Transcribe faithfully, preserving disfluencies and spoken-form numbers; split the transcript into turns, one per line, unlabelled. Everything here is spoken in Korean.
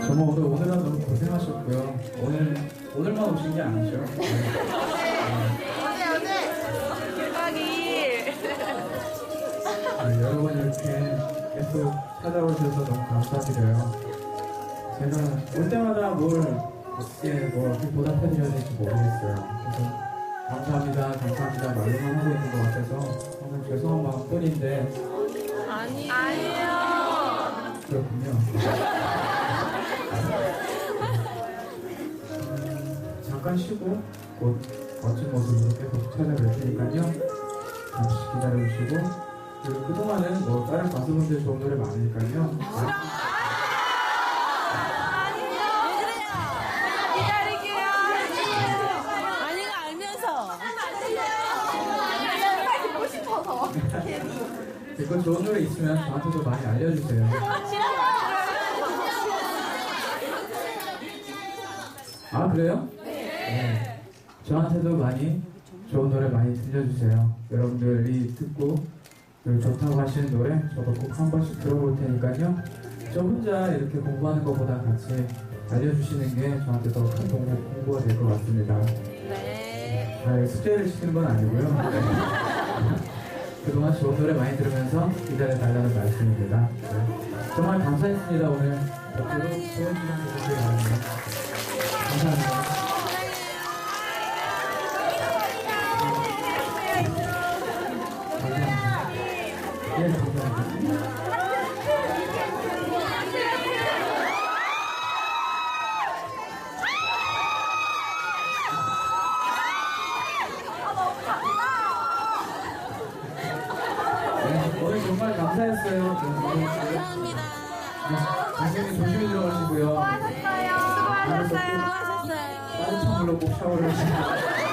정말 오늘 오늘은 너무 고생하셨고요. 오늘 오늘만 오신 게 아니죠. 네.
어제 어제 일박 이일.
네, 여러분 이렇게 계속 찾아오셔서 너무 감사드려요. 제가 올 때마다 뭘 어떻게 뭐 어떻게 보답해드려야 될지 모르겠어요. 그래서 감사합니다, 감사합니다 말로만 하고 있는 것 같아서 정말 죄송한 마음뿐인데.
아니 아니에요.
그렇군요. 잠깐 쉬고 곧 멋진 모습으로 계속 찾아뵐 테니까요. 잠시 기다려주시고, 그리고 그동안은 뭐 다른 가수분들 좋은 노래 많으니까요.
기다릴게요.
아니가 알면서.
듣고 싶어서.
이거 좋은 노래 있으면 저한테도 많이 알려주세요. 아, 그래요? 네. 저한테도 많이 좋은 노래 많이 들려주세요. 여러분들이 듣고 그리고 좋다고 하시는 노래 저도 꼭 한 번씩 들어볼 테니까요. 저 혼자 이렇게 공부하는 것보다 같이 알려주시는 게 저한테 더 큰 공부, 공부가 될 것 같습니다.
네.
아, 숙제를 시키는 건 아니고요. 네. 그동안 좋은 노래 많이 들으면서 기다려달라는 말씀입니다. 네. 정말 감사했습니다. 오늘 앞으로 좋은 시간 되시길 바랍니다. 감사합니다. 예, 감사합니다. 네, 오늘 정말 감사했어요.
감사합니다.
당연히 조심히 들어가시고요.
수고하셨어요. 수고하셨어요.
따뜻한 물로 꼭 샤워를 하시고.